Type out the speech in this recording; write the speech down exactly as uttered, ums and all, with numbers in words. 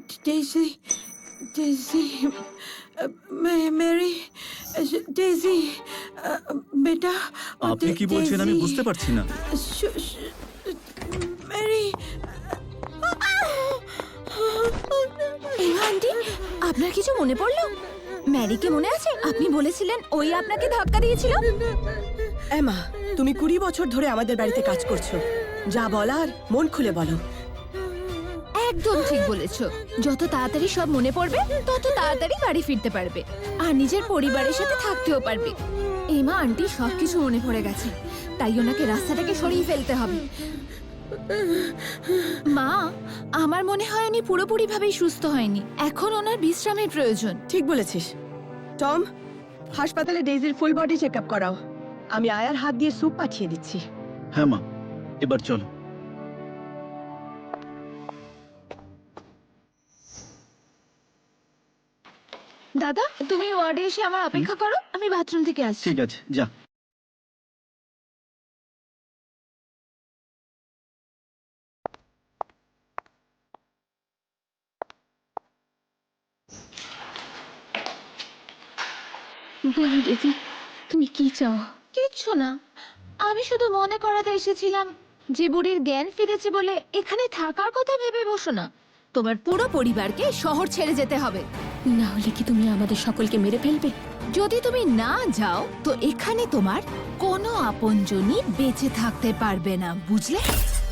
Daisy, daisy, Mary, daisy, বেটা। আপনি কি বলছেন আমি বুঝতে পারছি না। মেরি। এমা আন্টি, আপনার কিছু মনে পড়লো? ম্যারিকে মনে আছে? আপনি বলেছিলেন ওই আপনাকে ধাক্কা দিয়েছিল। এমা, তুমি কুড়ি বছর ধরে আমাদের বাড়িতে কাজ করছো, যা বলার মন খুলে বলো। একদম ঠিক বলেছো। যত তাড়াতাড়ি সব মনে পড়বে তত তাড়াতাড়ি বাড়ি ফিরতে পারবে আর নিজের পরিবারের সাথে থাকতেও পারবে। এমা আন্টি সবকিছু মনে পড়ে গেছে, তাই ওনাকে রাস্তা থেকে সরিয়ে ফেলতে হবে। মা, আমার মনে হয় উনি পুরোপুরি ভাবেই সুস্থ হয়নি, এখন ওনার বিশ্রামের প্রয়োজন। ঠিক বলেছিস। টম, হাসপাতালে ডেইজির ফুল বডি চেক আপ করাও। আমি আয়ার হাত দিয়ে স্যুপ পাঠিয়ে দিচ্ছি। হ্যাঁ মা, এবার চলো। দাদা, তুমি ওয়ার্ডে এসে আমার অপেক্ষা করো, আমি বাথরুম থেকে আসছি। ঠিক আছে, যা। বলো দিদি, তুমি কি চাও? কিচ্ছু না, আমি শুধু মনে করাতে এসেছিলাম যে বুড়ির জ্ঞান ফিরেছে বলে এখানে থাকার কথা ভেবে বসো না। তোমার পুরো পরিবারকে শহর ছেড়ে যেতে হবে, না হলে কি তুমি আমাদের সকলকে মেরে ফেলবে? যদি তুমি না যাও তো এখানে তোমার কোনো আপনজনই বেঁচে থাকতে পারবে না, বুঝলে?